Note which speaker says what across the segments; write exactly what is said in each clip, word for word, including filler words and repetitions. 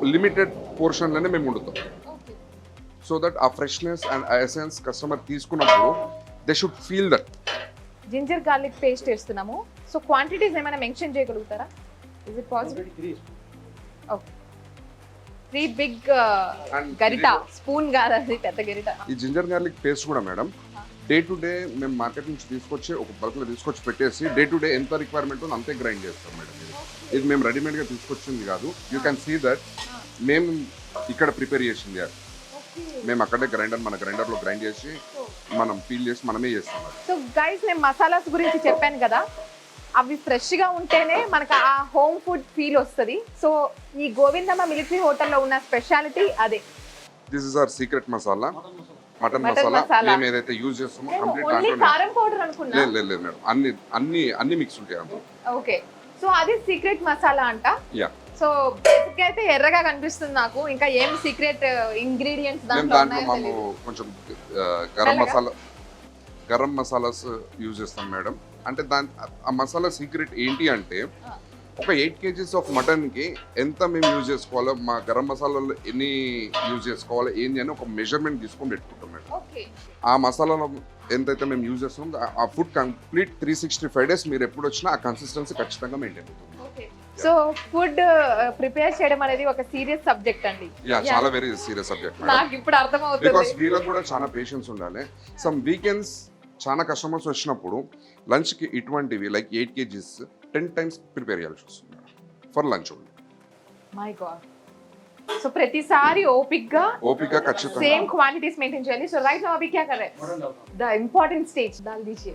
Speaker 1: Limited పోర్షన్లోనే మేము వండుతాం. So that uh freshness and uh essence customer తీసుకున్నప్పుడు they should feel that.
Speaker 2: Ginger garlic paste వేస్తున్నాము. So quantities ఏమైనా మెన్షన్ చేయగలుగుతారా? Is it possible? Okay, three big గరిట, spoon కాదు అది, పెద్ద గరిట.
Speaker 1: ఈ జింజర్ గార్లిక్ పేస్ట్ కూడా మేడం డే టు డే మేము మార్కెట్ నుంచి తీసుకొచ్చి ఒక బల్క్లో తీసుకొచ్చి పెట్టేసి డే టు డే ఎంత రిక్వైర్మెంట్ ఉందో అంతే గ్రైండ్ చేస్తాం మేడం. ఇది ఇది మేము రెడీమేడ్గా తీసుకొచ్చింది కాదు. యూ క్యాన్ సీ దట్ మేము ఇక్కడ ప్రిపేర్ చేసింది అది. మేము అక్కడే గ్రైండర్ మన గ్రైండర్లో గ్రైండ్ చేసి మనం పీల్ చేసి మనమే చేస్తాం.
Speaker 2: సో గైస్, నేను మసాలాస్ గురించి చెప్పాను కదా, అవి ఫ్రెష్గా ఉంటేనే మనకు ఆ హోమ్ ఫుడ్ ఫీల్ వస్తుంది. సో ఈ గోవిందమ్మ మిలిటరీ హోటల్లో ఉన్న స్పెషాలిటీ అదే.
Speaker 1: This is our secret masala, mutton masala. మేము ఏదైతే యూజ్ చేస్తామో కంప్లీట్
Speaker 2: కారం పౌడర్ అనుకున్నా.
Speaker 1: లేదు లేదు లేదు మేడం, అన్ని అన్ని అన్ని మిక్స్ ఉంటాయి అందులో.
Speaker 2: ఓకే, సో అది సీక్రెట్ మసాలా అంట.
Speaker 1: యా.
Speaker 2: సో బేసిక్ అయితే ఎర్రగా కనిపిస్తుంది నాకు. ఇంకా ఏం సీక్రెట్ ఇంగ్రీడియంట్స్ దాంట్లో
Speaker 1: దాంట్లో మేము కొంచెం గరం మసాలా గరం మసాలాస్ యూజ్ చేస్తాం మేడం. అంటే దాని ఆ మసాలా సీక్రెట్ ఏంటి అంటే ఒక ఎయిట్ కేజీస్ ఆఫ్ మటన్కి ఎంత మేము యూజ్ చేసుకోవాలో, మా గరం మసాలాలో ఎన్ని యూజ్ చేసుకోవాలో ఏంటి అని ఒక మెజర్మెంట్ తీసుకొని పెట్టుకుంటాం మేడం. ఆ మసాలాలో ఎంతైతే మేము యూజ్ చేస్తామో ఆ food complete three sixty five days మీరు ఎప్పుడు వచ్చినా ఆ కన్సిస్టెన్సీ ఖచ్చితంగా మెయింటైన్ అవుతుంది.
Speaker 2: సో ఫుడ్ ప్రిపేర్ చేయడం అనేది ఒక సీరియస్ సబ్జెక్ట్ అండి.
Speaker 1: యా, చాలా వెరీ సీరియస్ సబ్జెక్ట్.
Speaker 2: నాకు ఇప్పుడు అర్థమవుతుంది.
Speaker 1: బికాస్ వీళ్ళకి కూడా చాలా పేషెన్స్ ఉండాలి. సమ్ వీకెండ్స్ చాలా కస్టమర్స్ వచ్చినప్పుడు లంచ్కి ఇటువంటివి like eight KGs ten times prepare చేయాల్సి వస్తుంది for lunch only.
Speaker 2: My god. So ప్రతిసారి ఓపిక్గా
Speaker 1: ఓపిక ఖచ్చితంగా
Speaker 2: సేమ్ క్వాంటిటీస్ మెయింటైన్ చేయాలి. సో రైట్ నౌ అభి క్యా కర్ రహే హై? ద ఇంపార్టెంట్ స్టేజ్ దాల్ దీజియే.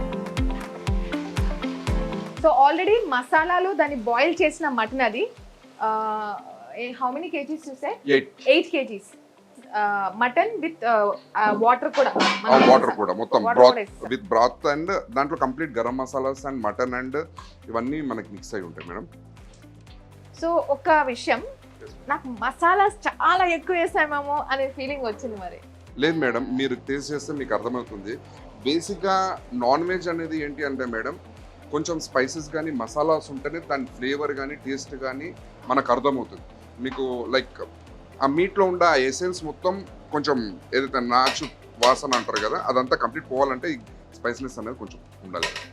Speaker 2: సో ఆల్రెడీ మసాలాలు దాన్ని బాయిల్ చేసిన మటన్ అది. హౌ మెనీ కేజీస్ చూసే? Eight KGs mutton with water కూడా.
Speaker 1: వాటర్ కూడా మొత్తం బ్రాత్ విత్ బ్రాత్ అండ్ దాంట్లో complete garam masalas and mutton and ఇవన్నీ మనకి మిక్స్ అయి ఉంటాయి మేడం.
Speaker 2: సో ఒక విషయం, నాకు మసాలాస్ చాలా ఎక్కువ వేసామేమో అనే ఫీలింగ్ వచ్చింది. మరి
Speaker 1: లేదు మేడం, మీరు టేస్ట్ చేస్తే మీకు అర్థమవుతుంది. బేసిక్గా నాన్ వెజ్ అనేది ఏంటి అంటే మేడం, కొంచెం స్పైసెస్ కానీ మసాలాస్ ఉంటేనే దాని ఫ్లేవర్ కానీ టేస్ట్ కానీ మనకు అర్థమవుతుంది. మీకు లైక్ ఆ మీట్లో ఉండే ఆ ఎసెన్స్ మొత్తం కొంచెం ఏదైతే నాచు వాసన అంటారు కదా, అదంతా కంప్లీట్ పోవాలంటే ఈ స్పైసీనెస్ అనేది కొంచెం ఉండాలి.